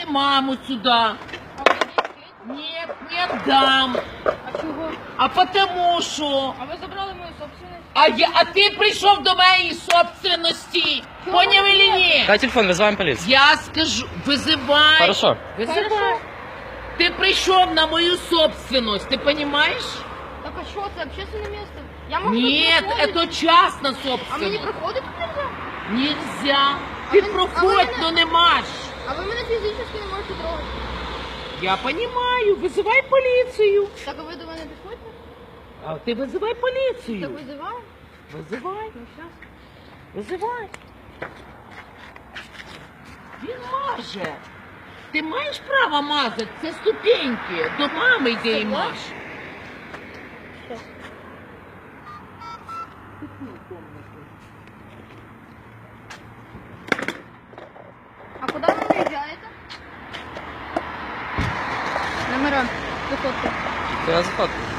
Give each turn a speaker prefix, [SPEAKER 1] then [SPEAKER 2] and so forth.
[SPEAKER 1] маму сюда. Нет, не отдам.
[SPEAKER 2] А чого?
[SPEAKER 1] А потому що...
[SPEAKER 2] А ви забрали мою собственность?
[SPEAKER 1] А ти прийшов до моєї собственності. Поняв или ні?
[SPEAKER 3] Дай телефон, вызываем полицию.
[SPEAKER 1] Я скажу, визивай.
[SPEAKER 3] Хорошо.
[SPEAKER 1] Визивай.
[SPEAKER 2] Хорошо.
[SPEAKER 1] Ти прийшов на мою собственность, ти понимаешь?
[SPEAKER 2] Так а що, це общественне місце? Я можу
[SPEAKER 1] Нет,
[SPEAKER 2] тут проходити?
[SPEAKER 1] это частна
[SPEAKER 2] А мені
[SPEAKER 1] собственность.
[SPEAKER 2] проходити тут нельзя?
[SPEAKER 1] Нельзя.
[SPEAKER 2] А
[SPEAKER 1] Ти
[SPEAKER 2] ви-
[SPEAKER 1] проходь,
[SPEAKER 2] а ви
[SPEAKER 1] но не маш.
[SPEAKER 2] А ви мене фізично не можете трогати.
[SPEAKER 1] Я понимаю, визивай поліцію.
[SPEAKER 2] Так а ви до мене підходите?
[SPEAKER 1] А ти визивай
[SPEAKER 2] Так
[SPEAKER 1] поліцію.
[SPEAKER 2] визиваю?
[SPEAKER 1] Визивай,
[SPEAKER 2] Ну щас.
[SPEAKER 1] визивай. Він маже. Ти маєш право мазати, це ступеньки. До мами йди і маж.
[SPEAKER 2] Щас. А куди ви виїжджаєте? Номера. Виходьте.
[SPEAKER 3] Ты заходи.